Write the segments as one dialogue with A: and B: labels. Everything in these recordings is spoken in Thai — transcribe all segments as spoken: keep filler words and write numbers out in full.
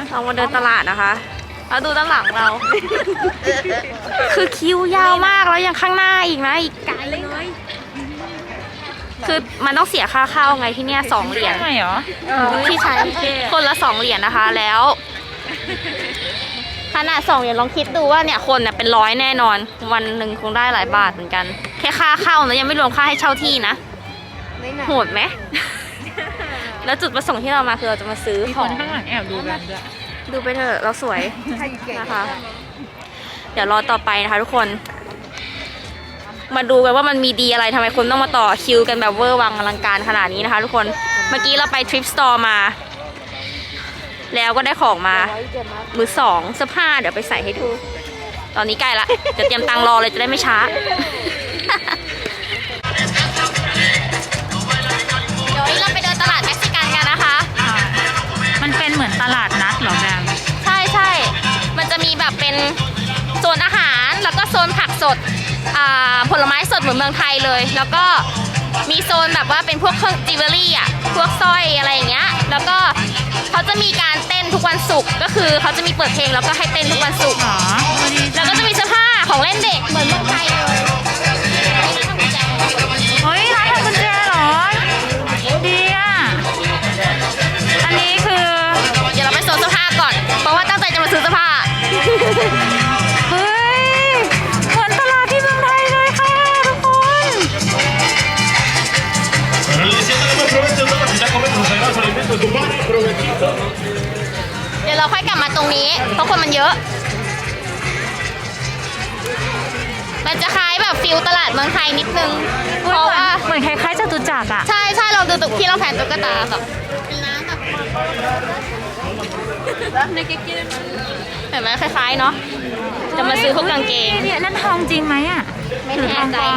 A: เรามาเดินตลาดนะคะแล้วดูด้านหลังเรา คือคิวยาวมากแล้วยังข้างหน้าอีกนะอีกไกลเลยคือมันต้องเสียค่าเข้าไงที่เนี่ยสองเหรียญใช่เหรอที่ใช้คนละสองเหรียญนะคะแล้วขนาดสองเหรียญลองคิดดูว่าเนี่ยคนเนี่ยเป็นร้อยแน่นอนวันหนึ่งคงได้หลายบาทเหมือนกันแค่ค่าเข้านะยังไม่รวมค่าให้เช่าที่นะโหดไหม แล้วจุดประสงค์ที่เรามาคือเราจะมาซื้อของข้างหลังแอบดูกันด้วยดูไปเถอะเราสวยนะคะเดี๋ยวรอต่อไปนะคะทุกคนมาดูกันว่ามันมีดีอะไรทำไมคนต้องมาต่อคิวกันแบบเวอร์วังอลังการขนาดนี้นะคะทุกคนเมื่อกี้เราไปทริปสโตร์มาแล้วก็ได้ของมามือสองเสื้อผ้าเดี๋ยวไปใส่ให้ดูตอนนี้ใกล้ละเดี๋ยวเตรียมตังรอเลยจะได้ไม่ช้าเดี๋ยวนี้เราไปเดินตลาดเม็กซิกันกันนะคะ
B: มันเป็นเหมือนตลาดนัดเหรอแบม
A: ใช่ใช่มันจะมีแบบเป็นโซนอาหารแล้วก็โซนผักสดผลไม้สดเหมือนเมืองไทยเลยแล้วก็มีโซนแบบว่าเป็นพวกเครื่องจิวเวลรี่อ่ะพวกสร้อยอะไรอย่างเงี้ยแล้วก็เขาจะมีการเต้นทุกวันศุกร์ก็คือเขาจะมีเปิดเพลงแล้วก็ให้เต้นทุกวันศุกร์แล้วก็จะมีเสื้อผ้าของเล่นเด็กเหมือนเมืองไทยเลย
B: เฮ้ยร้านทำกุญแจเหรอดีอ่ะอันนี้คือ
A: เดี๋ยวเราไปโซนเสื้อผ้าก่อนเพราะว่าตั้งใจจะมาซื้อเสื้อผ้า
B: เฮ้ยเหมือนตลาดที่เมืองไทยเลยค่ะทุกคน
A: เดี๋ยวเราค่อยกลับมาตรงนี้เพราะคนมันเยอะมันจะคล้ายแบบฟิลตลาดเมืองไทยนิดนึงเพราะว่า
B: เหมือนคล้ายๆจตุจักรอ่ะ
A: ใช่ใช่เราดูตุ๊กที่เราแผ่นตุ๊กตาแบบเห็นไหมคล้ายๆเนาะจะมาซื้อพวกกางเกง
B: เนี่ยนั่นทองจริงไหมอ่ะ
A: ไม่แน่ใจ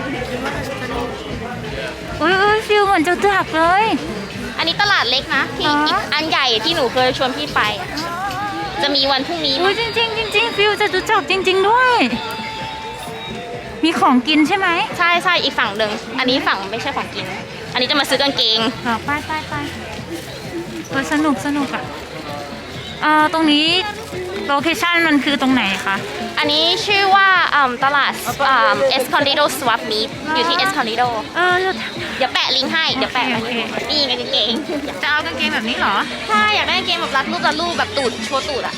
B: อุ้ยอุ้ยฟิลเหมือนจตุจักรเลย
A: อันนี้ตลาดเล็กนะที่อีกอันใหญ่ที่หนูเคยชวนพี่ไปจะมีวันพรุ่งนี้
B: อุ้ยจริงจริงจริงฟิลจตุจักรจริงๆด้วยมีของกินใช่ไหม
A: ใช่ใช่อีกฝั่งหนึ่งอันนี้ฝั่งไม่ใช่ของกินอันนี้จะมาซื้อกางเกง
B: ไปไปไปเออสนุกสนุกอ่ะเอ่อตรงนี้โลเคชั่นมันคือตรงไหนคะ
A: อันนี้ชื่อว่าตลาดเอสคอนดิโดสวอปมีดอยู่ที่เอสคอนดิโด
B: เออ
A: เดี๋ยวแปะลิงก์ให้เดี๋ยวแปะนี่ไงกางเกง
B: จะเอากางเกงแบบนี้เหรอ
A: ใช่อยากได้กางเกงแบบรัดรูปรัดรูปแบบตูดโชว์ตูดอ่ะ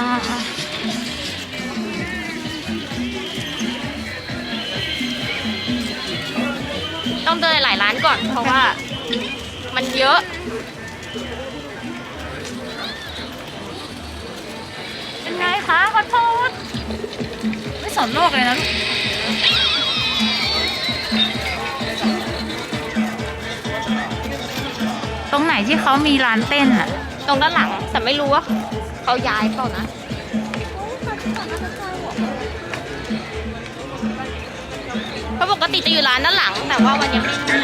A: ต้องเดินหลายร้านก่อนเพราะว่ามันเยอะ
B: เป็นไงคะขอโทษไม่สนโลกเลยนะตรงไหนที่เขามีร้านเต้นอะ
A: ตรงด้านหลังแต่ไม่รู้ว่าเขาย้ายเปล่านะเพราะปกติจะอยู่ร้านด้านหลังแต่ว่าวันนี้ไม่มี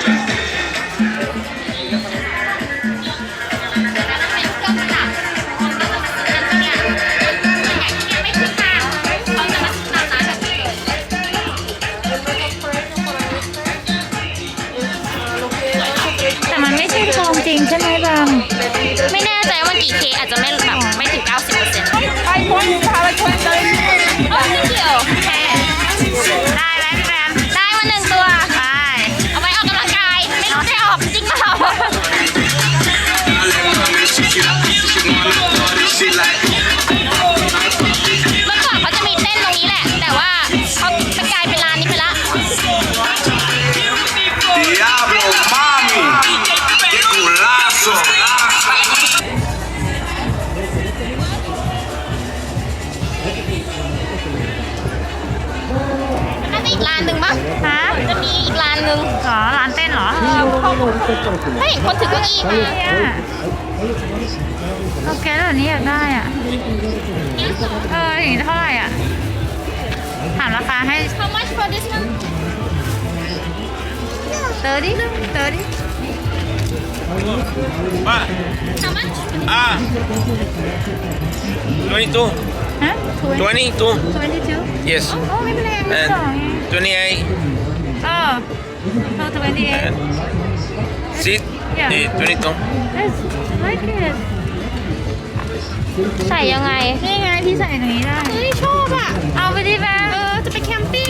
B: แต่มันไม่ใช่ทองจริงใช่ไหมบาง
A: ไม่แน่ใจว่ากี่เคอาจจะไม่แบบไม่ถึง เก้าสิบเปอร์เซ็นต์
C: ไปคนพาไปคนเลย
A: เออไม่เกี่ยวแค่
B: ได้ไหมพี่แบม
A: ได้มาหนึ่งตัว
B: ไป
A: เอาไว้ออกกำลังกายไม่รู้ได้ออกจริงเปล่าเมื่อก่อนเขาจะมีเต้นตรงนี้แหละแต่ว่าเขาไปกลายเป็นร้านนี้ไปละน่าจะอีกร้านหนึ่งมั้ง
B: ฮะ
A: จะมีอีกร้านหนึ่ง
B: เหรอร้านเต้นเหรอ
A: ถ้าเห็นคนถือเก้าอี้มา
B: โอเคแล้วนี้อยากได้อ่ะเอออย่างนี้เท่าไหร่อ่ะถามราคาให้
A: How much for this one?
B: thirty thirty
D: What?
A: How much?
D: Ah, twenty-two.
B: Huh?
D: Twenty-two.
B: twenty-two
D: Yes.
B: Oh ไม่เป็นไรไม่
D: And
B: สอง
D: twenty-eight.
B: Oh so twenty-eight
D: And sit.
B: Yeah.
D: Eh, twenty-two.
B: Let's like it
A: ใส่ยังไง
B: นี่ไงที่ใส่ตรงนี้ได้
A: เฮ้ยชอบอ่ะ
B: เอาไปดิแม่
A: เออ จะไปแคมปิ้ง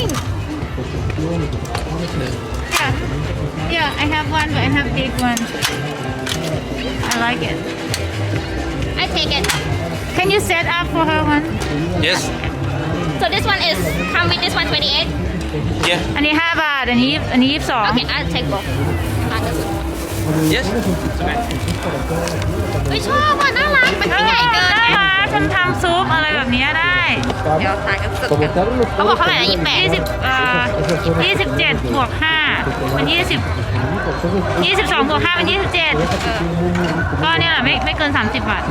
B: Yeah, yeah, I have one, but I have big one. I like it.
A: I take it
B: Can you set up for her one?
D: Yes.
A: so this one is come with this one twenty-eight
D: Yeah.
B: อันนี้ห้าบาท อันนี้อันนี้ยี่สิบสอง
A: okay I'll take both อ่ะก็สุด
D: Yes.
A: เฮ้ยชอบอ่ะน่ารักมันไม่ใหญ่เกิน
B: น่า
A: ไง
B: รักฉันทำซุปอะไรแบบนี้ได้
A: เดี๋ยวถ่ายกันสุดกันเขาบอกเท่าไหร่นะยี่สิบแปด
B: ยี่สิบเอ่อยี่สิบเจ็ดบวกห้าเป็นยี่สิบยี่สิบสองบวกห้าเป็นยี่สิบเจ็ดก็เนี่ยแหละไม่ไม่เกินสามสิบบาท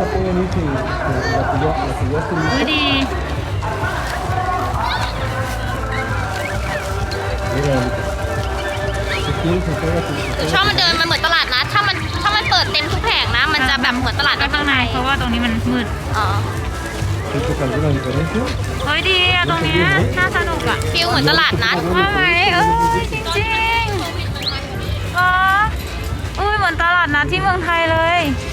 B: ดูดี
A: คือชอบมันเดินมันเหมือนตลาดนัดถ้ามันถ้ามันเปิดเต็มทุกแผงนะ มันจะแบบเหมือนตลาดนัด
B: ข้างในเพราะว่าตรงนี้มันมืด
A: อ๋อ
B: เฮ้ยดีอะตรงเนี้ยน่าสนุกอะ
A: ฟิลเหมือนตลาดนัด
B: ว่าไหมเออจริงจริงๆอ๋ออุ้ยเหมือนตลาดนัดที่เมืองไทยเลย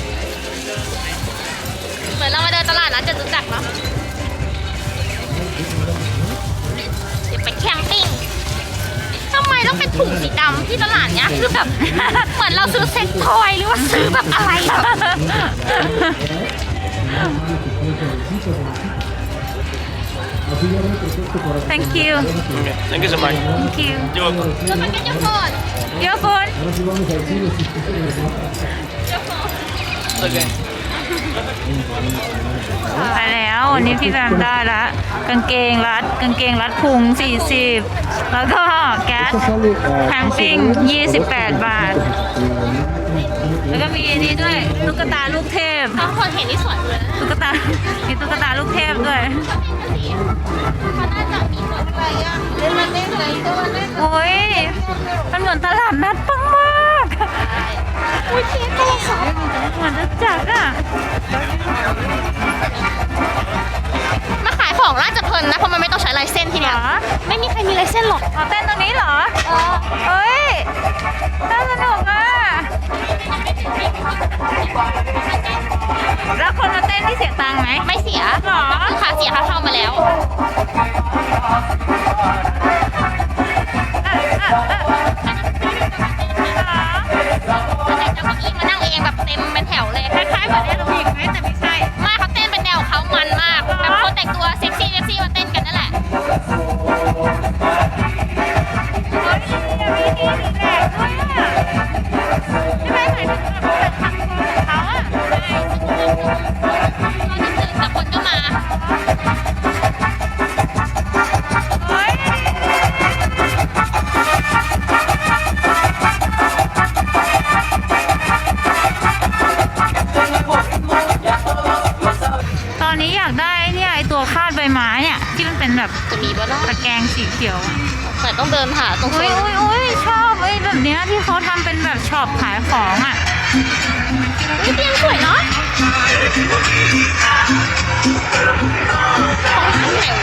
A: เหมือนเรามาเดินตลาดนัดจะรู้จักเนาะเดี๋ยวไปแคมปิ้งทำไมต้องเป็นถุงสีดำที่ตลาดเนี้ยคือแบบ เหมือนเราซื้อเซ็ตทอยหรือว่าซื้อแบบอะไรแบบ
B: Thank you
D: Okay. Thank you so much.
B: Thank you
D: You're welcome.
A: จะไปกันยังก่อน
B: Your phone
D: Okay.
B: ไปแล้ววันนี้พี่แบมได้ละกางเกงรัดกางเกงรัดพุงสี่สิบแล้วก็แก๊สแคมปิ้งยี่สิบแปดบาท แล้วก็มีอันนี้ด้วยตุ๊กตาลูกเทพ
A: บางคนเห็นที่สวนเลย
B: ตุ๊กตา มีตุ๊กตาลูกเทพด้วย
A: เขาน่าจะมีคนอะไรอ่ะเล่นมันเล่นอะไรตัวเล่น
B: โอ้ยมันเหมือนตลาดนัดปังมาก
A: อุ้ยเค้กอะไรคะ
B: เหมือนจะจักอ่ะ
A: มาขายของน่าจะเพลินนะเพราะมันไม่ต้องใช้ลายเส้นที
B: เหร
A: เนี้ย
B: อ
A: ไม่มีใครมีลายเส้นหรอก
B: เอาเต้นตรงนี้เหรอ
A: เออ
B: เฮ้ยน่าสนุกอ่ะ แล้วคนมาเต้นที่เสียตังค์ไหม
A: ไม่เสีย
B: หรอ
A: คือค่าเสียค่าเข้ามาแล้ว
B: อ่ะอ่ะอ่ะเหรอ
A: แต่เจ้าเก้าอี้มานั่งเองแบบเต็มเป็นแถวเลย
B: คล้ายๆเหมือนแอโรบิกไหมแต่ไม่ใช่
A: ไม่เขาเต้นเป็นแนวของเขามันมากแบบคนแต่งตัวเซ็กซี่เซ็กซี่มาเต้นกันนั่นแหละ
B: เฮ้ยมีดีดีแหลกด้วยอ่ะใช่ไหมหมายถึงแบบทำตัวของเขาอ่ะ
A: แต่คนก็มา
B: เฮ้ยตอนนี้อยากได้เนี่ยไอตัวคาดใบไม้เนี่ยที่มันเป็นแบบ
A: จะมีบ้าง
B: ตะแกรงสีเขียวอะ
A: แต่ต้องเดินหาตรงโซ
B: อุ้ย
A: น
B: อุ้ยอุ้ยชอบไอ้แบบเนี้ยที่เขาทำเป็นแบบช็อปขายของอ่ะ
A: อุ๊ยเตียงสวยเนาะของแถว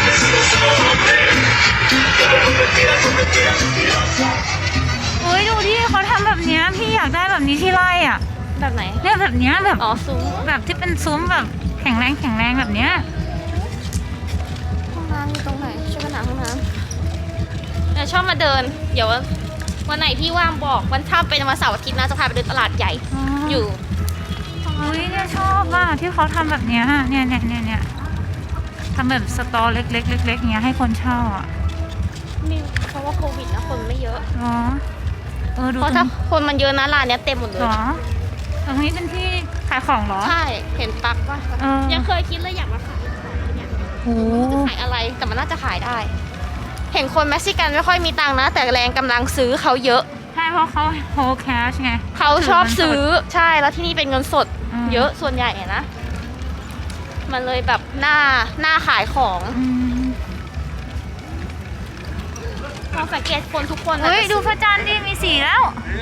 B: อุ้ยดูดิเขาทำแบบเนี้ยพี่อยากได้แบบนี้ที่ไร่อ่ะ
A: แบบไหน
B: เนี่ยแบบเนี้ยแบบ
A: อ๋อซุ้ม
B: แบบที่เป็นซุ้มแบบแข็งแรงแข็งแรงแบบเนี้ย
A: ห้องน้ำอยู่ตรงไหนช่วยกันหาห้องน้ำเนี่ยชอบมาเดิน เดี๋ยววันไหนพี่ว่างบอกวันถ้าเป็นวันเสาร์อาทิตย์นะจะพาไปเดินตลาดใหญ่อยู่
B: อุ้ยเนี่ยชอบอ่ะที่เขาทำแบบเนี้ยเนี่ยเนี่ยเนี่ยเนี่ยทำแบบสตอเล็กๆเล็กๆอย่างเงี้ยให้คนเช่าอ่ะ
A: นี่เพราะว่าโควิดนะคนไม่เยอะ
B: เหรอเออดู
A: เพราะ
B: ตร
A: ถ้าง คนมันเยอะนะร้านเนี้ยเต็มหมดเล
B: เหร
A: ย
B: อตรงนี้เป็นที่ขายของเหรอ
A: ใช่เห็นปักว่า
B: เออ
A: ยังเคยคิดเลยอยากมาขายเนี่ย
B: โอ้
A: จะขายอะไรแต่มันน่าจะขายได้ เห็นคนเม็กซิกันไม่ค่อยมีตังค์นะ แต่แรงกำลังซื้อเขาเยอะ
B: ใช่เพราะเขาโฮแคชไง
A: เขาชอบซื้อใช่แล้วที่นี่เป็นเงินสด
B: อืม
A: เยอะส่วนใหญ่อะนะ มันเลยแบบหน้าหน้าขายของ
B: อืม
A: ลองสังเกตคนทุกคน
B: เฮ้ย
A: น่าจะ
B: ดูพระจันทร์ดิมีสีแล้ว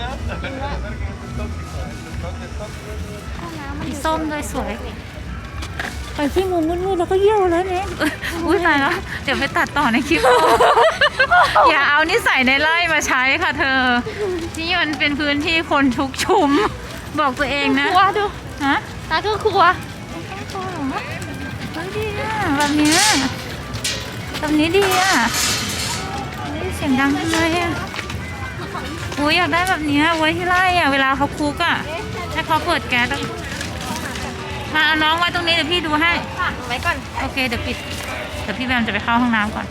A: ห้องน้ำมันอยู่
B: ส้มด้วยสวย ไปที่มุมมืดๆแล้วก็เยี่ยวแล้วเนี่ยอุ้ยตายแล้ว เดี๋ยวไปตัดต่อในคลิป อย่าเอานิสัยในไร่มาใช้ค่ะเธอ นี่มันเป็นพื้นที่คนทุกชุม บอกตัวเองนะ
A: ครัวดู
B: ฮะ
A: นั่นคือครัว
B: พอเหรอเฮ้ยดีอ่ะแบบเนี้ยแบบนี้ดีอ่ะนี่เสียงดังทำไมอ่ะโอ้ยอยากได้แบบเนี้ยไว้ที่ไร่อ่ะเวลาเขาคุกอ่ะให้เขาเปิดแก๊สอะมาเอาน้องไว้ตรงนี้เดี๋ยวพี่ดูให้
A: ไว้ก่อน
B: โอเคเดี๋ยวปิดเดี๋ยวพี่แบมจะไปเข้าห้องน้ำก่อน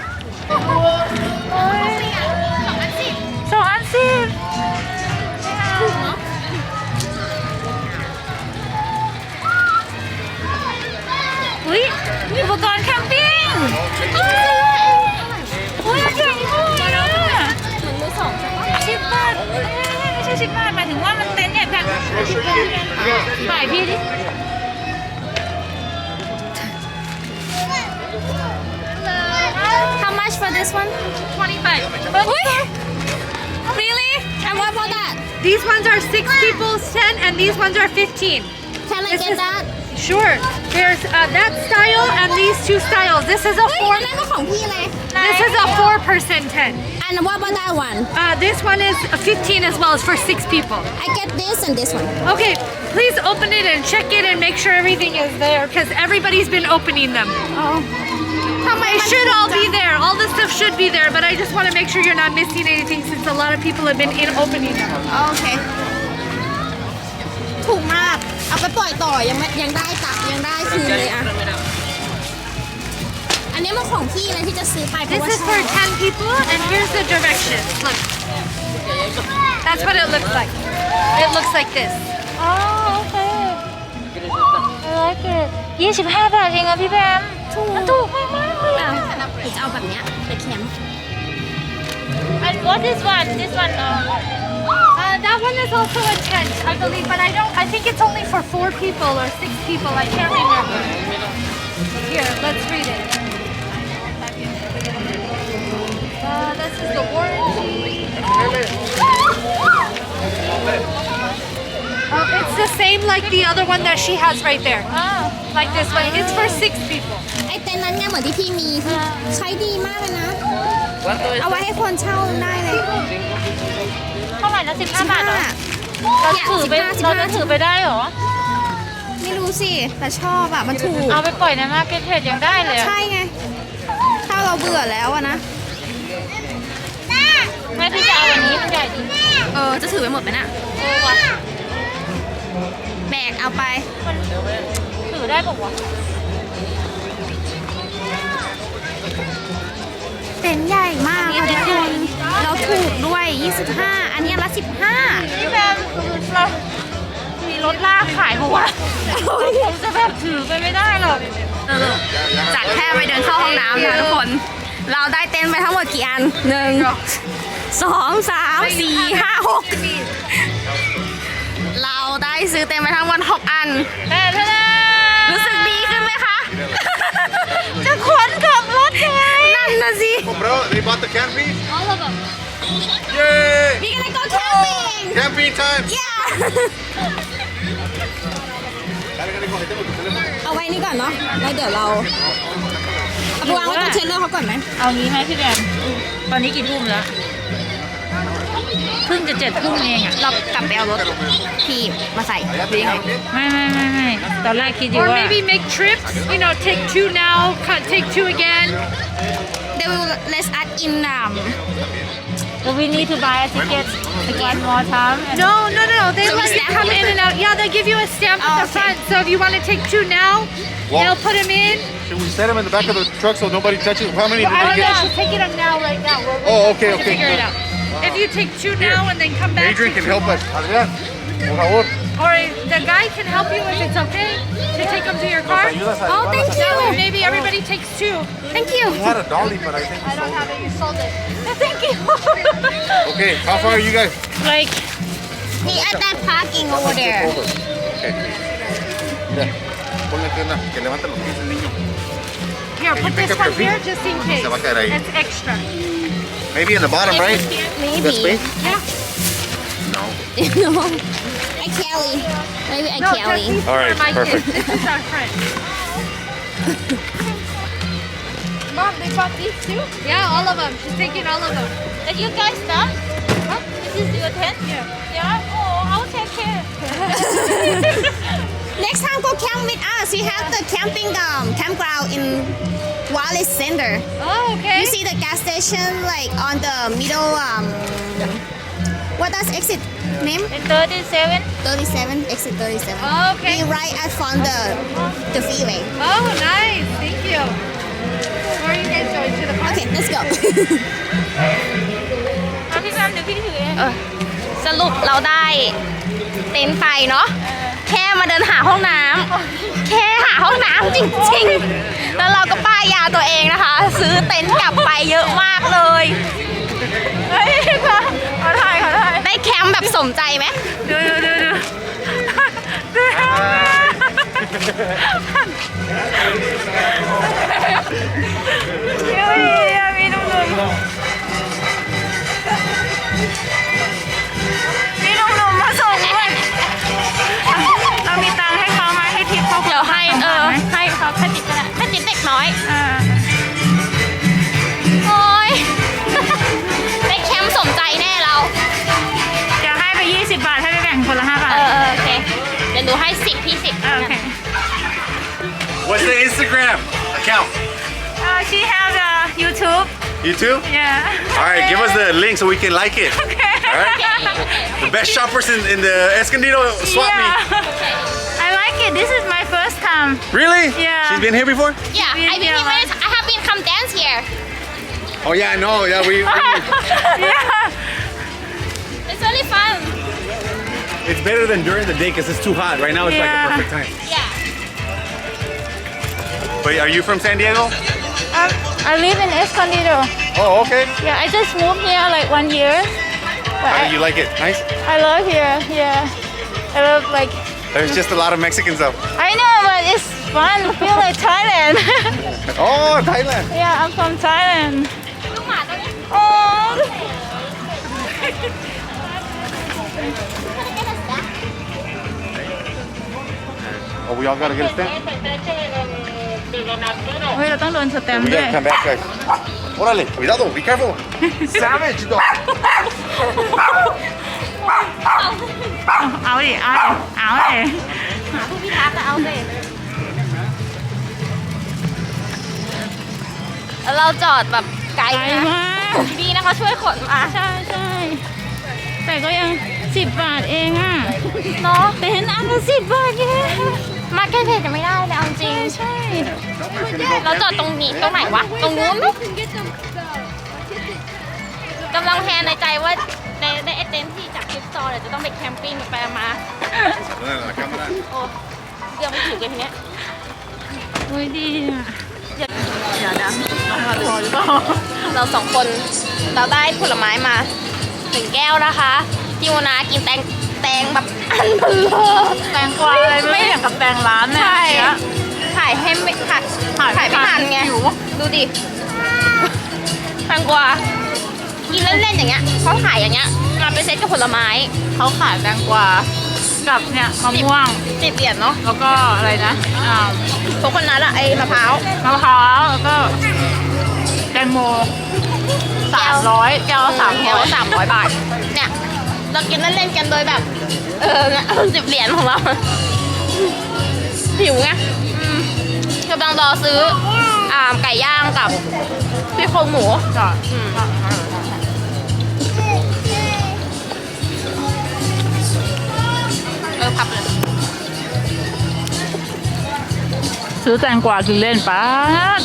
B: สองอันสิบอุ้ยอุปกรณ์แคมปิ้งอุ้ยอันใหญ่ด้วยอ่ะ
A: เหมือนมือสองใช่ปะ
B: สิบบาทเอ้ยไม่ใช่สิบบาทหมายถึงว่ามันเต็นท์เนี่ยแบบถ่ายพี่ดิ
A: How much for this one
C: twenty-five.
A: อุ้ย Really and what about that
C: These ones are six people's ten, and these ones are fifteen.
A: Can I
C: This
A: get
C: is-
A: that
C: Sure. There's uh, that style and these two styles. This is a
A: เฮ้ย
C: four.
A: อันนั้นก็ของพี่เลย
C: This is a four-person tent.
A: And what about that one
C: Uh, this one is fifteen as well. It's for six people.
A: I get this and this one
C: Okay, please open it and check it and make sure everything is there because everybody's been opening them.
A: อ๋อทำไม
C: It should all be there. All the stuff should be there, but I just want to make sure you're not missing anything since a lot of people have been in opening them.
A: โอเค ถูกมาก เอาไปปล่อยต่อยังไม่ยังได้ตักยังได้คืนเลยอะอันนี้มันของพี่เลยที่จะซื้อไปเพราะ
C: This
A: ว่า
C: is
A: ชอ
C: for
A: บ
C: ten people, and here's the directions. Look. That's what it looks like. It looks like this.
B: อ๋อโอเคเออเกดยี่สิบห้าบาทเองอะพี่แบมถูกถูกมากมากเลยอะ
A: หรือจะเอาแบบเนี้ยไปแคมป์
B: And what is one this one
C: Uh, that one is also a tent, I believe, but I don't. I think it's only for four people or six people. I can't remember. Here, let's read it. Uh, this is the warranty. Oh, it's the same like the other one that she has right there.
B: อ๋อ
C: Like this one. It's for six people.
A: ไอเต็นท์นั้นเนี่ยเหมือนที่พี่มีคือใช้ดีมากเลยนะ เอาไว้ให้คนเช่าได้เลย
B: เท่าไหร่นะสิบห้าบาทเหรอ
A: เรา
B: เราถือไปเราจะถือไปได้เหรอ
A: ไม่รู้สิ แต่ชอบอะมันถูก
B: เอาไปปล่อยในมาร์เก็ตเทรดยังได้เลยอะ
A: ใช่ไง ถ้าเราเบื่อแล้วอะนะ
B: แม่พี่จะเอาอันนี้มันใหญ่ดี
A: เออ จะถือไปหมดไหมน่ะ
B: เออว่ะ
A: แบกเอาไป
B: มันถือได้ปะวะ
A: เต็นท์ใหญ่มากค่ะทุกคนเราถูกด้วย ยี่สิบห้า อันนี้ละสิบห้า
B: พี่แบมเรามีรถลากขายปะวะผมจะแบบถือไปไม่ได้หรอก
A: เออจัดแค่ไปเดินเข้าห้องน้ำนะทุกคน เราได้เต็นท์ไปทั้งหมดกี่อันหนึ่งสองสามสี่ห้าหกเราได้ซื้อเต็นท์ไปทั้งหมดหกอัน
B: แต่ถ้า
A: รู้สึกดีขึ้นไหมคะ
B: จะขนกลับรถยังไง
A: นั่นนะสิ
E: Bro, they bought the camping?
A: All of them
E: Yay!
A: We gonna go camping
E: Camping time!
A: Yeah
E: Dale, dale, coge, tengo tu teléfono.
A: เอาไว้นี่ก่อนเนาะ แล้วเดี๋ยวเรา เอาไปวางไว้ตรงเชลเลอร์เขาก่อนไหม
B: เอางี้ไหมพี่แบมตอนนี้กี่ทุ่มแล้วเพิ่งจะเจ็ดทุ่มเองอะ
A: เรากลับไปเอารถที่มาใส่หรือยังไง
B: ไม่ไม่ไม่ไม่ตอนแรกคิดอยู่
C: Or
B: ว่า
C: maybe make trips. You know, take two now, cut- take two again.
A: They will let us in um
B: So we need to buy a ticket again more time and
C: No, no, no. They
A: So we
C: let you
A: stamp
C: come
A: them?
C: in and out. Yeah, they give you a stamp
A: Oh,
C: at the
A: okay.
C: front. So if you want to take two now,
E: Well-
C: they'll put them in.
E: Should we set them in the back of the truck so nobody touches? How many did
C: I
E: they
C: don't know.
E: get?
C: She's taking them now, right now. We're
E: Oh,
C: waiting
E: okay,
C: to
E: okay.
C: figure it out. If you take two now and then come back,
E: Adrian
C: to
E: can
C: two
E: help
C: more.
E: us. Adrian, por favor.
C: Or the guy can help you if it's okay to take them to your car.
E: Ayudas a
A: Oh, thank
C: So
A: you
C: maybe everybody takes two.
A: Thank you
E: We had a dolly, but I think
C: I don't have it. You sold it. Thank you.
E: Okay, how far are you guys?
B: like
A: He at that parking over there
E: Over. Okay. Ya. Ponle que, una, que levante los pies el niño.
C: Here,
E: Can
C: put
E: you pick
C: this
E: up
C: one
E: your feet?
C: here just in case.
E: Se va a caer ahí.
C: It's extra.
E: Maybe in the bottom, right? The
A: Maybe
E: space?
C: Yeah.
E: No.
A: No I Kelly Maybe I
C: No,
A: Kelly
C: just these
E: All
C: are
E: right,
C: my
E: perfect.
C: kids. This is our friend. Mom, they bought these too? Yeah, all of them. She's taking all of them.
B: and you guys done this is your tent
C: Yeah.
B: yeah oh I'll take care
A: Next next time go camp with us. We have the camping um, campground in Wallace Center.
C: Oh, okay.
A: You see the gas station like on the middle. Um, what does exit name?
B: thirty-seven.
A: thirty-seven. Exit thirty-seven.
C: Oh, okay.
A: We right at front the the freeway.
C: Oh, nice. Thank you. Where are you guys going to the park?
A: Okay, let's go.
B: เอาพี่แบมเดี๋ยวพี่ถือเอง
A: เออสรุปเราได้เต็นท์ไปเนาะแค่มาเดินหาห้องน้ำแค่หาห้องน้ำจริงๆ แล้วเราก็ป้ายยาตัวเองนะคะ ซื้อเต็นท์กลับไปเยอะมากเลย
B: เฮ้ยค่ะขอถ่ายขอถ่าย
A: ได้แคมป์แบบสมใจไหม
B: ดูดูดูดูดูเดี๋ยวดีอะมีหนุ่มๆมีหนุ่มๆมาส่งด้วยเรามีตังค์ให้เขาไหมให้ทิปเขา
A: เดี๋ยวให้เออ
B: ไหม
A: ให้เขาให้ติ๊กก็ได้ให้ติ๊กเด็กน้อย
B: อ่า
A: โอ้ย ได้แคมป์สมใจแน่เรา
B: เดี๋ยวให้ไปยี่สิบบาทให้ไปแบ่งคนละห้าบาท
A: เออเออโอเคเดี๋ยวหนูให้สิบพี่สิบ
B: อ่าโอเค
E: What's the Instagram account?
B: Uh, she has a YouTube.
E: You too?
B: Yeah.
E: All right, give us the link so we can like it.
B: Okay.
E: All right? The best shoppers in, in the Escondido swap
B: Yeah.
E: meet.
B: I like it. This is my first time.
E: Really?
B: Yeah.
E: She's been here before?
A: Yeah, I been
B: Yeah.
A: here. I have been come dance here.
E: Oh yeah, I know. Yeah, we. we
B: Yeah.
A: It's really fun.
E: it's better than during the day because it's too hot. Right now, it's like
B: Yeah.
E: the perfect time.
A: Yeah.
E: But are you from San Diego?
B: Um, I live in Escondido.
E: Oh, okay.
B: Yeah, I just moved here like one year. But
E: How
B: I,
E: do you like it? Nice.
B: I love here. Yeah. I love like.
E: There's just a lot of Mexicans though.
B: I know, but it's fun. I feel like Thailand.
E: Oh, Thailand.
B: Yeah, I'm from Thailand.
A: ลูกหมาตัวนี้
B: Oh.
E: Oh, we all gotta get a stamp.
B: เฮ้ยเราต้องโดนสแตมป์
E: We
B: ด้วย
E: gotta come back, guys. Órale, cuidado, be careful. Savage, dog.
B: เอาดิเอาดิเอาดิ
A: ผู้พิทักษ์จะเอาสิแล้วเราจอดแบบไกล
B: ไกล
A: นะ
B: มาก
A: ดีนะเขาช่วยขนมา
B: ใช่ใช่แต่ก็ยังสิบบาทเองอ่ะ
A: เนาะ
B: แต่เห็นอันละสิบบาทแค่
A: มาแค่เพจจะไม่ได้เลยเอาจริง
B: ใช่
A: เราจอดตรงนี้ตรงไหนวะ ตรงนู้นไหม
C: You can get them. The,
A: กำลังแพลนในใจว่าในในไอเต็นท์ที่จากคลิปซอร์เดี๋ยวจะต้องไปแคมปิ้งไปมา
E: La cámara.
A: โอ้เดี๋ยวไม่ถึงเลยทีเนี้ย
B: โอ้ยดีอ่ะ
A: เดี๋ยวนะมาพอหรือเปล่าเราสองคนเราได้ผลไม้มาหนึ่งแก้วนะคะที่โมนากินแตงแตงแบบอันเบลอ
B: แตงกวาอะไรไม่อย่างกับแตงร้านเนี่ย
A: ใช่ถ่ายให้ไม่ถ่ายถ่ายไม่ทันไงดูดิแตงกวากินเล่นๆอย่างเงี้ยเขาขายอย่างเงี้ยมาเป็นเซ็ตกับผลไม้
B: เขาขายแตงกวากับเนี่ยมะม่วง
A: สิบเหรียญเนาะ
B: แล้วก็อะไรนะอ่า
A: พวกคนนั้นอะไอ้มะพร้าว
B: มะพร้าวแล้วก็แตงโมสามร้อยแก้วละสาม
A: แก้
B: ร้
A: ว
B: อย
A: สามร้อยบาทเนี่ยเรากินเล่นๆกันโดยแบบเออเนี่ยสิบเหรียญของเราหิวไงอืมกำลังรอซื้ออ่าไก่ย่างกับซี่โครงหมู
B: จ้ะ
A: อืมเออพับเลย
B: ซื้อแตงกวากินเล่นป้าด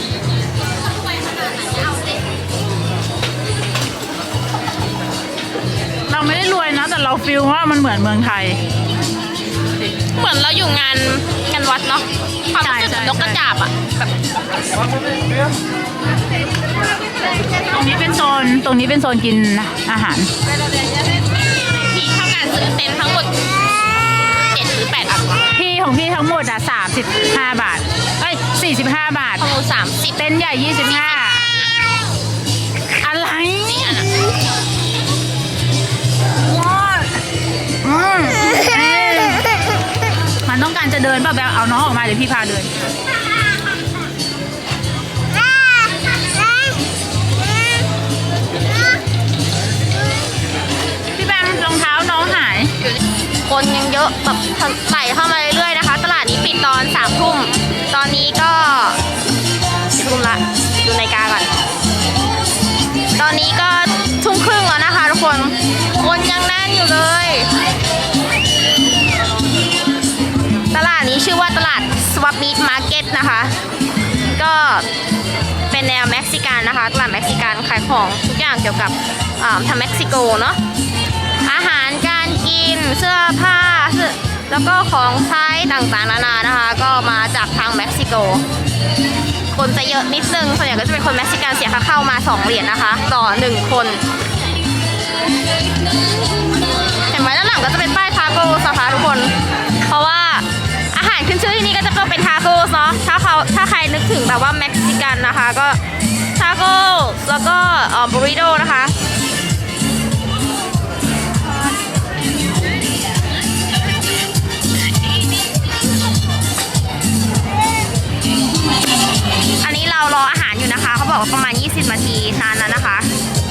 B: เราไม่ได้รวยนะ แต่เราฟีลว่ามันเหมือนเมืองไทย
A: เหมือนเราอยู่งานงานวัดเนาะความรู้สึก
B: ใช่
A: นกกระจาบอะแบบ
B: ตรงนี้เป็นโซน ตรงนี้เป็นโซนกินอาหาร
A: ที่เท่ากันซื้อเต็นท์ทั้งหมดเจ็ดหรือแปดอัน
B: พี่ของพี่ทั้งหมดอ่ะสามสิบห้าบาท เอ้ยสี่สิบห้าบาท
A: ของหนูสามสิบ
B: เต็นท์ใหญ่ยี่สิบห้าอะไร
A: สี่อันอะ
B: อืมเอ้ยมันต้องการจะเดินป่ะแบบเอาน้องออกมาเดี๋ยวพี่พาเดิน พี่แบมรองเท้าน้องหาย
A: อยู่ในคนยังเยอะแบบไหลเข้ามาเรื่อยๆนะคะ ตลาดนี้ปิดตอนสามทุ่มตอนนี้ก็สี่ทุ่มละดูนาฬิกาก่อนตอนนี้ก็ทุ่มครึ่งแล้วนะคะทุกคนคนยังแน่นอยู่เลยตลาดนี้ชื่อว่าตลาด Swap Meat Market นะคะก็เป็นแนวเม็กซิกันนะคะตลาดเม็กซิกันขายของทุกอย่างเกี่ยวกับทางเม็กซิโกเนาะอาหารการกินเสื้อผ้าแล้วก็ของใช้ต่างๆนานานะคะก็มาจากทางเม็กซิโกคนจะเยอะนิดนึงส่วนใหญ่ก็จะเป็นคนเม็กซิกันเสียค่าเข้ามาสองเหรียญนะคะต่อหนึ่งคนเห็นไหมด้านหลังก็จะเป็นป้ายทาโก้นะคะทุกคนเพราะว่าอาหารขึ้นชื่อที่นี่ก็จะเป็นทาโก้เนาะถ้าเขาถ้าใครนึกถึงแบบว่าเม็กซิกันนะคะก็ทาโก้แล้วก็เอ่อบูริโดนะคะอันนี้เรารออาหารอยู่นะคะเขาบอกว่าประมาณยี่สิบนาทีนานแล้วนะคะ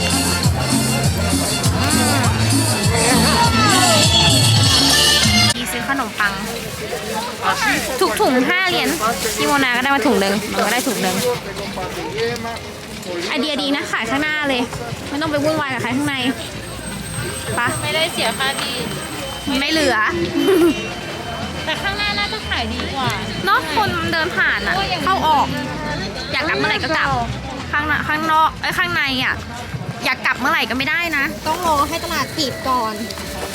A: ที่ซื้อขนมปังถูกถุงห้าเหรียญพี่โมนาก็ได้มาถุงหนึ่งมันก็ได้ถุงหนึ่งไอเดียดีนะขายข้างหน้าเลยไม่ต้องไปวุ่นวายกับขายข้างในปะ
B: ไม่ได้เสียค่าดี
A: ไม่เหลือ
B: แต่ข้างหน้าน่าจะขายดีกว่า
A: เนาะคนเดินผ่านอ่ะเข้าออก อยากกลับเมื่อไหร่ก็กลับข้างหน้าข้างนอกไอ้ยข้างในอ่ะอยากกลับเมื่อไหร่ก็ไม่ได้นะ
F: ต้องรอให้ตลาดปิดก่อน